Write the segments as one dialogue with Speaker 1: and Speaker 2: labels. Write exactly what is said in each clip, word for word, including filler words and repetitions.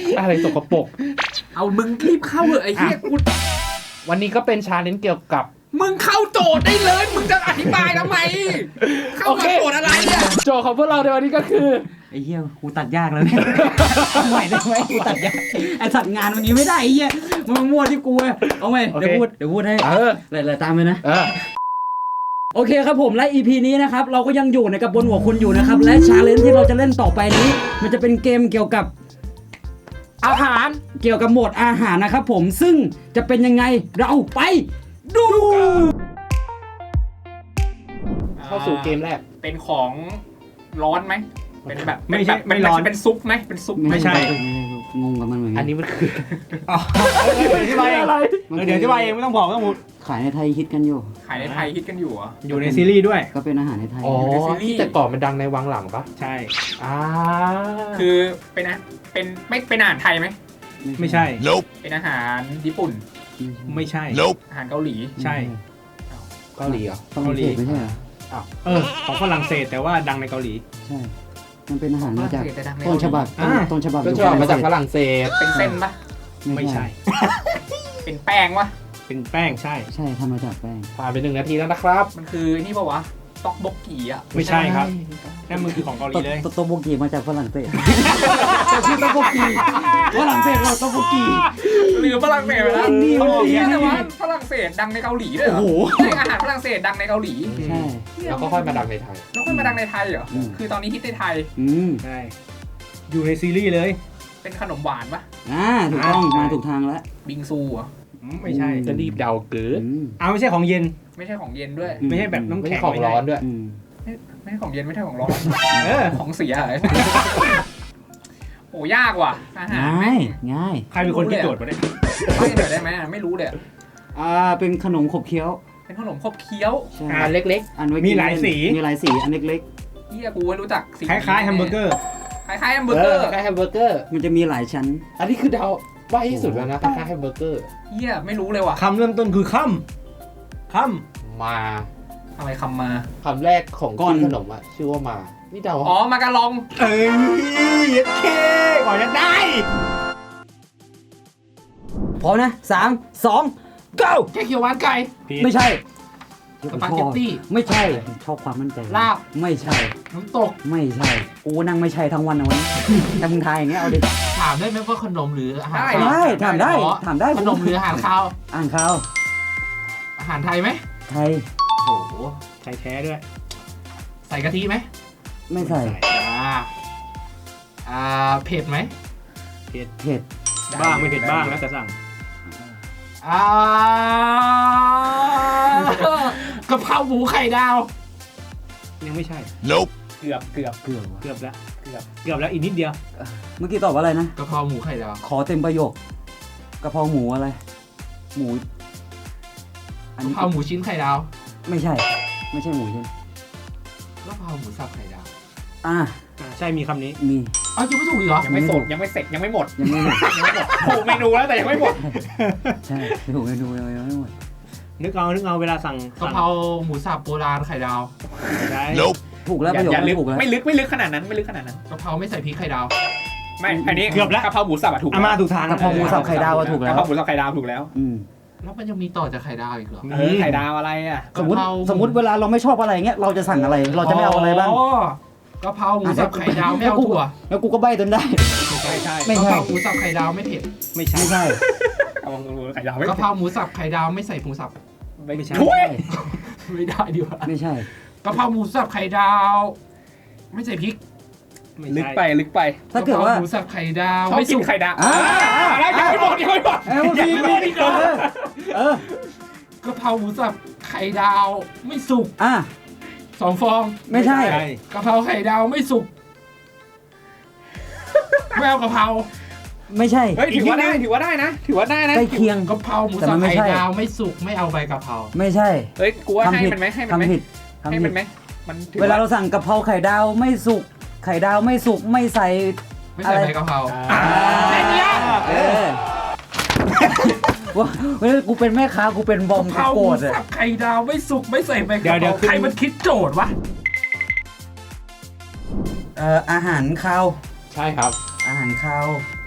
Speaker 1: อะไรสกปรก
Speaker 2: เอามึงรีบเข้าเหอะไอ้เหี้ยกู
Speaker 1: วันนี้ก็เป็นชาเลนจ์เกี่ยวกับ
Speaker 2: มึงเข้าโจทย์ได้เลยมึงจะอธิบายทำไมเข้ามาโจทย์อะไรเนี่ย
Speaker 1: โจทย์ของพวกเราในวันนี้ก็คือ
Speaker 3: ไอ้เหี้ยกูตัดยากแล้วเนี่ยใหม่ได้ไหมกูตัดยากไอ้สัตว์งานวันนี้ไม่ได้ไอ้เหี้ยมึงมั่วที่กูเอาไหมเดี๋ยวพูดเดี๋ยวพูดให้
Speaker 1: เออ
Speaker 3: เลยๆตามไปนะ
Speaker 1: เออ
Speaker 3: โอเคครับผมและ อี พี นี้นะครับเราก็ยังอยู่ในกับบนหัวคุณอยู่นะครับและชาเลนจ์ที่เราจะเล่นต่อไปนี้มันจะเป็นเกมเกี่ยวกับ
Speaker 1: อาหาร
Speaker 3: เกี่ยวกับโหมดอาหารนะครับผมซึ่งจะเป็นยังไงเราไปดู
Speaker 1: เข้าสู่เกมแรก
Speaker 2: เป็นของร้อนไหมเป็นแบบ
Speaker 4: ไม่ใช่ไม่ร้อน
Speaker 2: เป็นซุปไหมเป็นซุป
Speaker 4: ไม่ใช่
Speaker 3: งงกับมันเหมือนกัน
Speaker 1: อันนี้มันคือ
Speaker 4: เดี๋ยวอธิบายเองเดี๋ยวอธิบายเองไม่ต้องบอกไม่ต้องพูด
Speaker 3: ขายในไทยฮิตกันอยู่
Speaker 2: ขายในไทยฮิตกันอยู่อ่ะ
Speaker 4: อยู่ในซีรีส์ด้วย
Speaker 3: ก็เป็นอาหารในไทย
Speaker 1: อ๋อที่แต่ก่อนมันดังในวังหลังปะ
Speaker 4: ใช่
Speaker 1: อ่า
Speaker 2: คือเป็นนะเป็นไม่เป็นอาหารไทยไหม
Speaker 4: ไม่ใช่
Speaker 2: เป็นอาหารญี่ปุ่น
Speaker 4: ไม่ใช่
Speaker 2: อาหารเกาหลี
Speaker 4: ใช่
Speaker 1: เกาหลีเหรอ
Speaker 3: เกาหลีไม่ใช่เหรอ
Speaker 4: อ้าวเออของฝรั่งเศสแต่ว่าดังในเกาหลี
Speaker 3: ใช่มันเป็นอาหารมาจากต้นฉบับต้นฉบับ
Speaker 1: ต้นฉบับมาจากฝรั่งเศส
Speaker 2: เป็นเส้นปะ
Speaker 4: ไม่ใช่
Speaker 2: เป็นแป้งวะ
Speaker 4: เป็นแป้งใช่
Speaker 3: ใช่ทำมาจากแป้ง
Speaker 1: ผ่านไปหนึ่งนาทีแล้วนะครับ
Speaker 2: มันคือนี่ป่าวะต๊อกบกกีอ่ะ
Speaker 4: ไม่ใช่ครับนั่นมันคือของเกาหลีเลย
Speaker 3: ต๊อกบกกีมาจากฝรั่งเศสชื่อต๊อกบกกีฝรั่งเศสเราต๊อกบกกี
Speaker 2: หรือฝรั่งเศสนะเกาหลีแต่ว่าฝรั่งเศสดังในเกาหลีด้วยเหรออาหารฝรั่งเศสดังในเกาหลี
Speaker 3: ใช่
Speaker 1: แล้วก็ค่อยมาดังในไทย
Speaker 2: แล้วค่อยมาดังในไทยเหรอคือตอนนี้ฮิตในไทย
Speaker 4: ใช่อยู่ในซีรีส์เลย
Speaker 2: เป็นขนมหวานปะ
Speaker 3: อ่าถูกต้องมาถูกทางแล้ว
Speaker 2: บิงซูอ่ะ
Speaker 4: ไม่ใช่
Speaker 1: จะรีบเดาเกิน
Speaker 4: อ้าวไม่ใช่ของเย็น
Speaker 2: ไม่ใช่ของเย็นด้วย
Speaker 4: ไม่ใช่แบบน้ำแข็ง
Speaker 1: ของร้อนด้วย
Speaker 2: ไม่ใช่ของเย็นไม่ใช่ของร้อนของเสียเลยโอ้ยากว่ะอาหาร
Speaker 3: ง่ายง่าย
Speaker 4: ใครเป็นคนคิดโจทย์มาเนี่ย
Speaker 2: ไม่หน่อยได้ไหมไม่รู้เลย
Speaker 3: อ่าเป็นขนมขบเคี้ยว
Speaker 2: เป็นขนมขบเคี้ยว
Speaker 1: อันเล็ก
Speaker 3: ๆอัน
Speaker 4: มีหลายสี
Speaker 3: มีหลายสีอันเล็ก
Speaker 2: ๆเฮียกูไม่รู้จักสี
Speaker 4: คล้ายๆแฮมเบอร์เกอร์
Speaker 2: คล้ายๆแฮมเบอร์เกอร์
Speaker 1: คล้ายๆแฮมเบอร์เกอร์
Speaker 3: มันจะมีหลายชั้น
Speaker 1: อันนี้คือเดาว่าที่สุดแล้วนะคล้ายๆแฮมเบอร์เกอร์
Speaker 2: เฮียไม่รู้เลยว่ะ
Speaker 4: คำเริ่มต้นคือค่ำค่
Speaker 1: ำมา
Speaker 2: อะไรคำมา
Speaker 1: คำแรกของก้อนขนมอ่ะชื่อว่ามานี่เดา
Speaker 2: อ๋อมากะลอง
Speaker 4: เอ้ยยัดเคก่อนจะได้
Speaker 3: พร้อมนะสามสอง go
Speaker 2: แค่เขียวหวานไก่
Speaker 3: ไม่ใช่
Speaker 2: สปาเกตตี้
Speaker 3: ไม่ใช่ชอบความมั่นใจ
Speaker 2: ลาบ
Speaker 3: ไม่ใช่
Speaker 2: น้ำตก
Speaker 3: ไม่ใช่กูนั่งไม่ใช่ทั้งวันนะวันแต่มึงทายอย่างเงี้ยเอาดิ
Speaker 2: ถามได้ไหมว่าขนมหรืออาหาร
Speaker 3: ได้ถามได้ถามได้
Speaker 2: ขนมหรืออาหารข้าว
Speaker 3: อาหารข้าว
Speaker 2: อาหารไทยไหม
Speaker 3: ไทย
Speaker 2: โอ้โห
Speaker 4: ไทยแท้ด้วย
Speaker 2: ใส่กะทิไหม
Speaker 3: ไม่ใส่
Speaker 2: อ่าอ่าเผ็ดไหม
Speaker 4: เผ็ด
Speaker 3: เผ็ด
Speaker 4: บ้างไม่เผ็ดบ้างแล้วแต่สั่ง
Speaker 2: อ่ากะเพราหมูไข่ดาว
Speaker 4: ยังไม่ใช่
Speaker 1: nope
Speaker 2: เกือบเกือบ
Speaker 3: เกือบ
Speaker 4: เกือบแล้วเกือบเกือบแล้วอีกนิดเดียว
Speaker 3: เมื่อกี้ตอบว่าอะไรนะ
Speaker 2: กะเพราหมูไข่ดาว
Speaker 3: ขอเต็มประโยคกะเพราหมูอะไรหมู
Speaker 2: กะเพราหมูชิ้นไข่ดาว
Speaker 3: ไม่ใช่ไม่ใช่หมูชิ้น
Speaker 2: กะเพราหมูสับไข่ดาว
Speaker 3: อ่า
Speaker 4: ใช่มีคำนี้
Speaker 3: มี
Speaker 2: อ้าวยังไม่ถูกอีกเหรอยังไม่สดยังไม่เสร็จยังไม่หมด
Speaker 3: ยังไม่หมด
Speaker 2: ยังไม่หมดถูกเมนูแล้วแต่ยังไม่หมด
Speaker 3: ใช่ถูกเมนูยังไม่หมด
Speaker 4: นึกเอานึกเอาเวลาสั่ง
Speaker 2: กะเพราหมูสับโบราณไข่ดาว
Speaker 4: ใช่
Speaker 3: ถูกแล้วประโยคไม่ถูกแล้ว
Speaker 2: ไม่ลึกไม่ลึกขนาดนั้นไม่ลึกขนาดนั้นกะเพราไม่ใส่พริกไข่ดาวไม่อันนี้
Speaker 4: เกือบแล้ว
Speaker 2: กะเพราหมูสับถูก
Speaker 4: อามาถูกทาง
Speaker 3: กะเพราหมูสับไข่ดาวถูกแล้ว
Speaker 2: กะเพราหมูสับไข่ดาวถูกแล้ว
Speaker 3: อืม
Speaker 2: แล้วมันยังมีต่อจากไข่ดาวอีกเหรอ
Speaker 4: ไข่ดาวอะไรอ่ะ
Speaker 3: สมมติสมมติเวลาเราไม่ชอบอะไรเงี้ยเราจะสั่งอะไรเราจะไม่เอาอะไรบ้าง
Speaker 2: กะเพราหมูสับไข่ดาวไม่เอาถั่ว
Speaker 3: แล้วกูก็ใบ้จนได้
Speaker 2: ไม่ใช่ไม่ใช่กะเพราหมูสับไข่ดาวไม่เผ็ด
Speaker 4: ไม่ใช่
Speaker 3: ไม่ใช่
Speaker 2: กะเพราหมูไข่ดาวกะเพราหมูสับไข่ดาวไม่ใส่หมูสับ
Speaker 4: ไม่ใช่
Speaker 2: ไม่ได้ดีกว่า
Speaker 3: ไม่ใช่
Speaker 2: กะเพราหมูสับไข่ดาวไม่ใส่พริกลึกไปลึกไป
Speaker 3: ถ้าเกิดว่า
Speaker 2: หมูสับไข่ดาวไม่สุกไข่ดาว
Speaker 3: แล้ว
Speaker 2: ยังไม่หมดยังไม่หมดยังไม่หมดอีกเหรอ
Speaker 3: เออก
Speaker 2: ะเพราหมูสับไข่ดาวไม่สุก
Speaker 3: อ่ะ
Speaker 2: สองฟอง
Speaker 3: ไม่ใช่
Speaker 2: กะเพราไข่ดาวไม่สุกไม่เอากะเพรา
Speaker 3: ไม่ใช่
Speaker 2: เฮ้ยถือว่าได้ถือว่าได้นะถือว่าได้นะ
Speaker 3: ใกล้เคียง
Speaker 2: กะเพราหมูสับไข่ดาวไม่สุกไม่เอาใบกะเพรา
Speaker 3: ไม่ใช่
Speaker 2: เฮ้ยกูว่าให้มันไหมให้มันไหมให้มันไหม
Speaker 3: มันเวลาเราสั่งกะเพราไข่ดาวไม่สุกไข่ดาวไม่สุกไม่ใส่
Speaker 2: ไม่ใส่ใบกะเพรา
Speaker 3: แค่นี้เออว่าเฮ้ยกูเป็นแม่ค้ากูเป็นบอมกูโกรธเลย
Speaker 2: ไข่ดาวไม่สุกไม่ใส่ใบกะเพราใครมันคิดโจทย์วะ
Speaker 3: เอ่ออาหารคาว
Speaker 1: ใช่ครับ
Speaker 3: อาหารคาว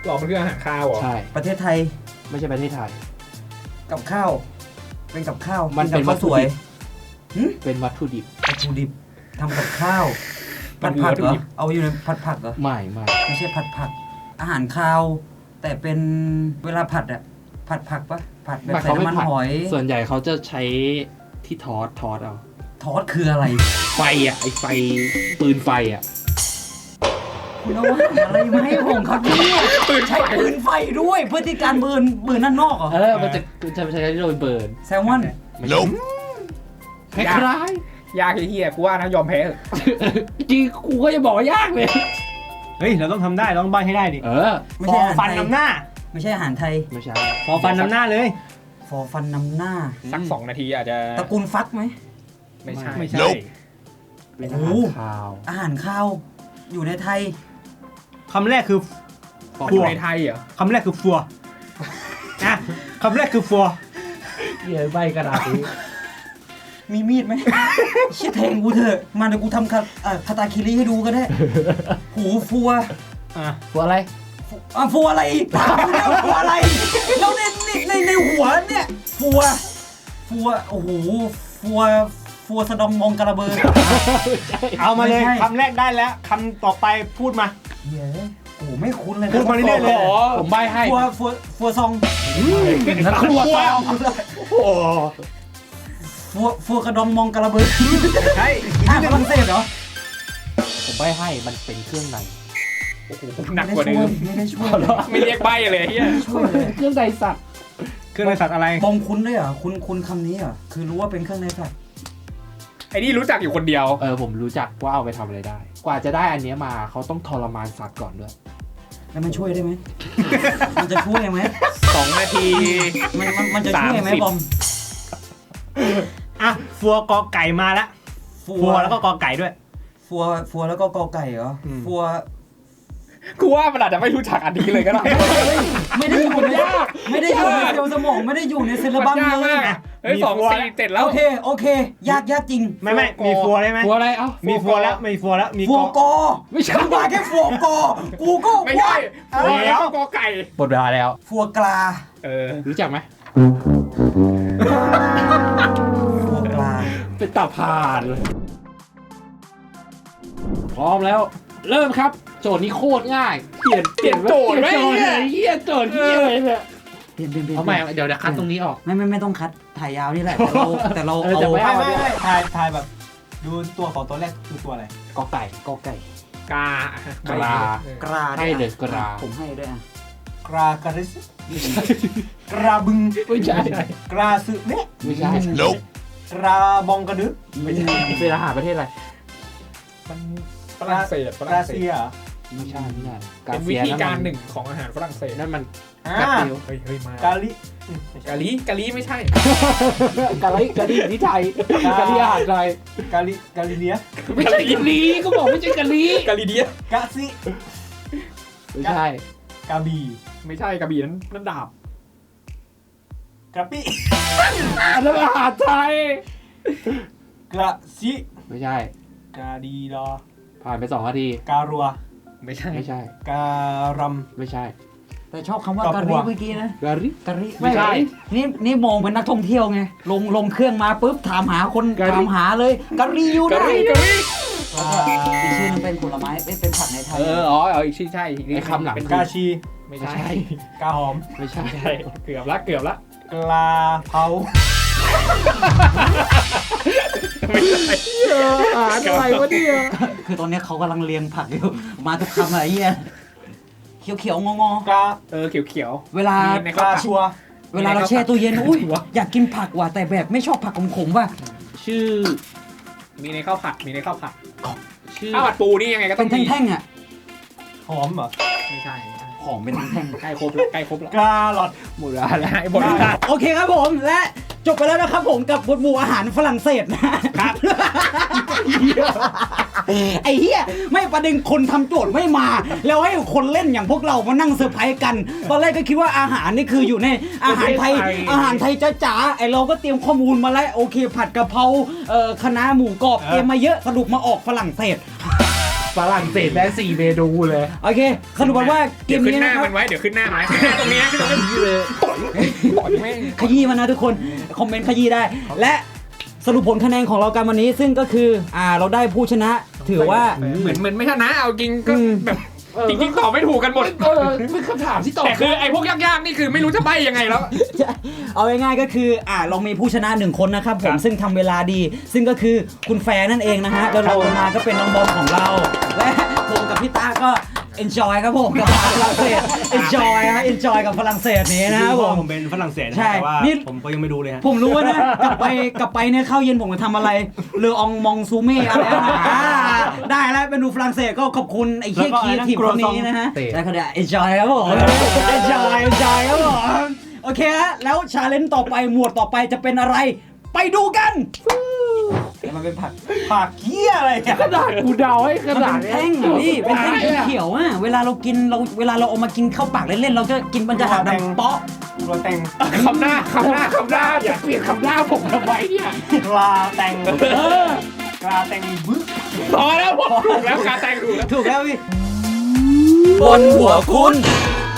Speaker 2: หรอมันคืออาหารคาวเหรอ
Speaker 1: ใช่
Speaker 3: ประเทศไทย
Speaker 1: ไม่ใช่ประเทศไทย
Speaker 3: กับข้าว เป็นกับข้าว
Speaker 1: มันเป็น
Speaker 3: กับข้าวสวย
Speaker 1: เป็นวัตถุดิบ
Speaker 3: วัตถุดิบทำกับข้าวผัดผักเหรอเอาอยู่ในผัดผักเหรอ
Speaker 1: ไม่ไม่
Speaker 3: ไม่ใช่ผัดผัก อาหารคาว แต่เป็นเวลาผัดอะผัดผักปะผัดแบบใส่
Speaker 1: เขาไม่
Speaker 3: น้ำมัน
Speaker 1: ผัด
Speaker 3: หอย
Speaker 1: ส่วนใหญ่เขาจะใช้ที่ทอดทอดเอา
Speaker 3: ทอดคืออะไร
Speaker 1: ไฟอ่ะไอไฟปืนไฟอ่ะ
Speaker 3: คุณเอาอะไรมาให้ผมครับเนี่ยใช้ปืนไฟด้วยเพื่อที่การเบิร์นเบิร์นด้านนอกเหรอ
Speaker 1: เออมันจะจะใช้ที่โดนเบิร์น
Speaker 3: แซลมอน
Speaker 1: ไม่ใช่คล้าย
Speaker 2: ยากเฮียกูว่านะยอมแพ้เถอะ
Speaker 1: ๆจริงกูก็จะบอกว่ายากเลย
Speaker 4: เฮ้ยเราต้องทำได้เราต้องใบ้ให้ได้ดิ
Speaker 1: เออ
Speaker 3: ไม่
Speaker 4: ฟ
Speaker 3: ใช่
Speaker 4: อ
Speaker 3: อาหาร
Speaker 4: ฟัน
Speaker 3: ไทย
Speaker 4: นำหน้า
Speaker 3: ไม่ใช่อาหารไทย
Speaker 1: ไม่ใช่
Speaker 4: ฟอฟันนำหน้าเลย
Speaker 3: ฟอฟันนำหน้า
Speaker 2: สักสองนาทีอาจจะ
Speaker 3: ตระกูลฟักไหม
Speaker 2: ไม่ใช่
Speaker 4: ไม่ใช่
Speaker 1: เป็น
Speaker 3: โอ้
Speaker 1: อา
Speaker 3: โห
Speaker 1: หารคาว
Speaker 3: อาหารข้าว อยู่ในไทย
Speaker 4: คำแรกคือ
Speaker 2: มันอยู่ในไทยเหรอ
Speaker 4: คำแรกคือฟัวนะคำแรกคือฟัว
Speaker 1: เหี้ยใบกระดาษนี้
Speaker 3: มีมีดไหม เชี่ยแทงกูเถอะ มาเดี๋ยวกูทำคาเอ่อคาตาคิริให้ดูก็ได้ หูฟัว
Speaker 4: อ่ะ
Speaker 1: ฟัวอะไร
Speaker 3: ฟัวอ่ะฟัวอะไรถามกูเนี่ยฟัวอะไร แล้วในในในในหัวเนี่ย ฟัว ฟัว โอ้โห ฟัว ฟัวสะดองมองกระเบิด
Speaker 4: เอามาเลย
Speaker 3: ไม่ใช่
Speaker 4: คำแรกได้แล้วคำต่อไปพูดมา
Speaker 3: เย้โอ้โหไม่คุ้นเลยนะ
Speaker 4: พูดมาเรื่อยๆเลย
Speaker 1: ขอผมใบให้
Speaker 3: ฟัว ฟัว ฟัวซอง
Speaker 1: นั่นครัวซองโอ้
Speaker 3: ฟัว ฟัวกระดองมองกระเบิด
Speaker 4: ใช่
Speaker 3: อ่ะฝรั่งเศสเหรอ
Speaker 1: ผมใบให้มันเป็นเครื่องใน
Speaker 2: โอ้โหหนักกว่าเดิม
Speaker 3: ไม่ได้ช่วย
Speaker 2: ไม่เรียกใบเลยเฮีย
Speaker 3: ไม่ได้ช่วยเลย
Speaker 1: เครื่องในสัตว์
Speaker 4: เครื่องในสัตว์อะไร
Speaker 3: บอมคุ้นด้วยเหรอคุ้นคุ้นคำนี้เหรอคือรู้ว่าเป็นเครื่องในสัตว์
Speaker 2: ไอ้นี่รู้จักอยู่คนเดียว
Speaker 1: เออผมรู้จักว่าเอาไปทำอะไรได้ กว่าจะได้อันเนี้ยมาเขาต้องทรมานสัตว์ก่อนด้วย
Speaker 3: แล้วมันช่วยได้ไหม มันจะช่วยไหม
Speaker 2: สองนาที
Speaker 3: มันมันมันจะช่วยไหม
Speaker 2: สามสิบ
Speaker 3: บอม
Speaker 4: อ่ะฟัวกอไก่มาแล้ว
Speaker 3: ฟั
Speaker 4: ฟัวแล้วก็กอไก่ด้วย
Speaker 3: ฟัวฟัวแล้วก็กอไก่เหรออ
Speaker 4: ม
Speaker 3: ฟัว
Speaker 2: กูว่ามันอาจจะไม่รู้จักอันนี้เลยก็ได้
Speaker 3: ไม่ได้อยู่ในไม่ได้อยู่ในเซลล์สมองไม่ได้อยู่ในเซลล์บัม
Speaker 2: ยาก
Speaker 3: เล
Speaker 2: มาย กเฮ้ยสองสี่เจ็ดแล้ว
Speaker 3: โอเคโอเค ยากยากจริง
Speaker 4: ไม่ไม่มีฟัวได้ไหม
Speaker 1: ฟัวอะไรเอ้า
Speaker 4: มีฟัวแล้วมีฟัวแล้วมี
Speaker 3: ฟัว
Speaker 4: ก
Speaker 3: ก
Speaker 4: อ
Speaker 3: อ
Speaker 1: ไม่ใช่
Speaker 3: กูมาแค่ฟัวกอกูก็
Speaker 2: ไม่ใช่
Speaker 4: เอา
Speaker 2: ฟัว
Speaker 4: แล้ว
Speaker 2: แล้วก็กอไก่
Speaker 1: หมดเวลาแล้ว
Speaker 3: ฟัวกลา
Speaker 2: เออ
Speaker 1: รู้จักไหม
Speaker 3: ฟัวกลา
Speaker 1: เป็นตาพานเลยพร้อมแล้ว เริ่มครับ โจทย์นี้โคตรง่าย เปลี่ยนเปลี่ยน
Speaker 2: โจทย์ไหม
Speaker 1: เปลี่ยนโจทย์เลยเฮียโจทย์เฮียเลยเนี่ย
Speaker 3: เปลี่ยนเปลี่ยนเปลี่ยน
Speaker 1: เอาใหม่เดี๋ยวเดี๋ยวคัดตรงนี้ออก
Speaker 3: ไม่ไม่ไม่ต้องคัดถ่ายยาวนี่แหละ แต่เราแต่เรา
Speaker 1: เออ
Speaker 3: เอา
Speaker 1: แต่ไม่
Speaker 4: ไม่ไม่ไม่ทายทายแบบ ดูตัวของตัวแรกคือตัวอะไร
Speaker 1: กอไก่กอไก่
Speaker 2: กาก
Speaker 1: ลา
Speaker 3: กรา
Speaker 1: ให้เลยกรา
Speaker 3: ผมให้ด้วยอ่ะ
Speaker 4: กรากริสกราบึง
Speaker 1: ไม่ใช่
Speaker 4: กราสึเนะ
Speaker 1: ไม่ใช่
Speaker 4: กราบองกระดึก
Speaker 1: ไม่ใช่เป็นอาหารประเทศอะไร
Speaker 2: มันฝรั่งเศสฝ
Speaker 4: ก
Speaker 2: รั่
Speaker 4: ราง
Speaker 2: เศ
Speaker 4: เซี
Speaker 2: ส
Speaker 4: ยเหรอ
Speaker 1: ไม่ใช่ไม่ใช่
Speaker 2: เป็นวิธีการหนึ่งของอาหารฝรั่งเศส
Speaker 1: นั่นมัน
Speaker 4: อ่า
Speaker 1: กาติว
Speaker 2: เฮ้ยเฮ้ยมาก
Speaker 4: าลิอืมไม่ใช่
Speaker 2: กะลีกะลีไม่ใช่
Speaker 1: กะลิกะลิที่ไทยกะลิอาหารไทย
Speaker 4: กาลิกาลิเนีย
Speaker 1: ไม่ใช่กะลิก็บอกไม่ใช่กะลิ
Speaker 2: กะลีเดีย
Speaker 4: กาซิ
Speaker 1: ไม่ใช่
Speaker 4: กาบี
Speaker 2: ไม่ใช่กระบี่นั้นนั่นดาบ
Speaker 4: กระปิ
Speaker 1: อันนั้นอาหารไทย
Speaker 4: กระซิ
Speaker 1: ไม่ใช่
Speaker 4: กาดีดอ
Speaker 1: ผ่านไปสองนาที
Speaker 4: การัว
Speaker 2: ไม่ใช่
Speaker 1: ไม่ใช่
Speaker 4: การัม
Speaker 1: ไม่ใช่
Speaker 3: แต่ชอบคำว่า
Speaker 4: ดอก
Speaker 3: กะ
Speaker 4: บั
Speaker 3: ริ
Speaker 4: ว
Speaker 3: เมื่อกี้นะ
Speaker 1: กะลิ
Speaker 3: กะริ
Speaker 1: ไม่ใช่
Speaker 3: นี่นี่มองเป็นนักท่องเที่ยวไง ลงลงเครื่องมาปุ๊บถามหาคน
Speaker 1: กะริ
Speaker 3: ถามหาเลยกะริอยู่
Speaker 2: กะ
Speaker 3: ไหน
Speaker 2: ลีกะลี
Speaker 4: ปลา
Speaker 3: อีกชื่อนึงเป็นผลไม้เอ้ยเป็นผักในไทย
Speaker 1: เอออ๋อเอาอีกชื่อใช่อีก
Speaker 2: ไอ้
Speaker 1: ไอ้คำหลัง
Speaker 2: เป็น
Speaker 4: กาชี
Speaker 2: ไม่
Speaker 1: ไม่
Speaker 2: ใช่
Speaker 1: ใช่
Speaker 4: กาหอม
Speaker 1: ไม่ใช่
Speaker 2: ใช่เกือบละเกือบละ
Speaker 4: กลาเผา
Speaker 2: ไม่ใช่
Speaker 1: อาหารอะไรวะเนี่ย
Speaker 3: คือตอนเนี้ยเขากำลังเรียงผักอยู่ มาทุกคำอะไรเงี้ยเขียวเขียวๆงองอก
Speaker 4: า
Speaker 2: เออเขียวเขียว
Speaker 3: ๆเวลา
Speaker 2: มีใน
Speaker 4: กาชัว
Speaker 3: เวลาเราแช่ตู้เย็นอุ้ยอยากกินผักว่ะแต่แบบไม่ชอบผักขมๆว่ะ
Speaker 1: ชื่อ
Speaker 2: มีในข้าวผัดมีในข้าวผัด
Speaker 1: ชื่อ
Speaker 2: ข้าวผัดปูนี่ยังไงก็ต้
Speaker 3: เป็
Speaker 2: อนงมี
Speaker 3: แท่งๆอ่ะ
Speaker 4: หอมเหรอ
Speaker 2: ไม่ใช่ไม่ใช่
Speaker 3: ของเป็นแท่ง
Speaker 2: ใกล้ครบแล้วใกล้ครบแล้ว
Speaker 4: กาหลอด
Speaker 1: หมดเวลาแล้ว
Speaker 2: ไอ้บทนี้
Speaker 3: ๆโอเคครับผมและจบไปแล้วนะครับผมกับบทหมู่อาหารฝรั่งเศสนะครับ ไอ้เหี้ยไม่ประเด็นคนทำโจทย์ไม่มา แล้วให้คนเล่นอย่างพวกเรามานั่งเซอร์ไพรส์กันตอนแรกก็คิดว่าอาหารนี่คืออยู่ในอาหารไทยอาหารไทยจ๋าๆไอ้เราก็เตรียมข้อมูลมาแล้วโอเค ผัดกะเพราเอ่อคะน้าหมูกรอบเตรียมมาเยอะสรุปมาออกฝรั่งเศส
Speaker 1: ฝรั่งเศสได้สี่เมนูเลย
Speaker 3: โอเคสรุปว่าเก
Speaker 2: เดี๋ยว
Speaker 3: ม
Speaker 2: ขึ้น
Speaker 3: นี้
Speaker 2: หน้า
Speaker 3: นะครับ
Speaker 2: มันไว้เดี๋ยวขึ้นหน้ามันขึ้นหน้าตรงนี้นะขึ้นตรงนี้เลยต่อยแม่ง
Speaker 3: ขยี้มันนะทุกคนคอมเมนต์ขยี้ได้ และสรุปผลคะแนนของเรากันวันนี้ซึ่งก็คืออ่าเราได้ผู้ชนะถือว่า
Speaker 2: เหมือนเหมือนไม่ชนะเอาจริงก็
Speaker 3: อืม
Speaker 2: แบบจริงๆตอบไม่ถูกกันหมด
Speaker 1: เออเป็นคำถามที่ตอบ
Speaker 2: แต่คือไอ้พวกยากๆนี่คือไม่รู้จะใบ้ยังไงแล้ว
Speaker 3: เอาง่ายๆก็คืออ่าเรามีผู้ชนะหนึ่งคนนะครับผมซึ่งทำเวลาดี ซึ่งก็คือคุณแฟร์นั่นเองนะฮะแล้วเรามาก็เป็นน้องบอมของเรา และผมกับพี่ตาก็ enjoy ครับผมกับฝรั่งเศส enjoy ฮะ enjoy กับฝรั่งเศสนี้นะครับผม
Speaker 4: ผมเป็นฝรั่งเศสนะ
Speaker 3: ใช่
Speaker 4: แต่ว่า
Speaker 3: นี่
Speaker 4: ผมก็ยังไม่ดูเลยฮะ
Speaker 3: ผมรู้นะ กลับไปกลับไปเนี่ยข้าวเย็นผมจะทำอะไรเรืออองมองซูเม่อะไรนะอ่าได้แล้วเป็นดูฝรั่งเศสก็ขอบคุณไอ้เคียคีทีมคนนี้นะฮะแล้วก็เดี๋ยว enjoy ครับผม enjoy enjoy ครับผมโอเคฮะแล้วชาเลนจ์ต่อไปหมวดต่อไปจะเป็นอะไร ไปดูกันมันเป็นผัก
Speaker 4: ผักเคี้ยอะไรเนี่ย
Speaker 1: ขนาดกูเดาให้ข
Speaker 3: มัน
Speaker 1: นา
Speaker 3: เป็
Speaker 1: ด
Speaker 3: น
Speaker 1: นี้
Speaker 3: แท่งอ่ะพี่เป็นแท่งเขียวๆอ่ะเวลาเรากินเราเวลาเราเอามากินเข้าปากเล่นๆเราจะกินมันจะหักดังเปาะ
Speaker 4: ตัวแตง
Speaker 2: คำหน้าคำหน้าคำหน้า
Speaker 1: อย่าเปลี่ยนคำหน้าผมทำไมเนี่ย
Speaker 4: กลาแตง
Speaker 3: เออก
Speaker 4: ลาแตงบึ้ก
Speaker 2: พอแล้วผมถูกแล้วการแต่งถูกแล้ว
Speaker 3: ถูกแล้วพี่
Speaker 5: บนหัวคุณ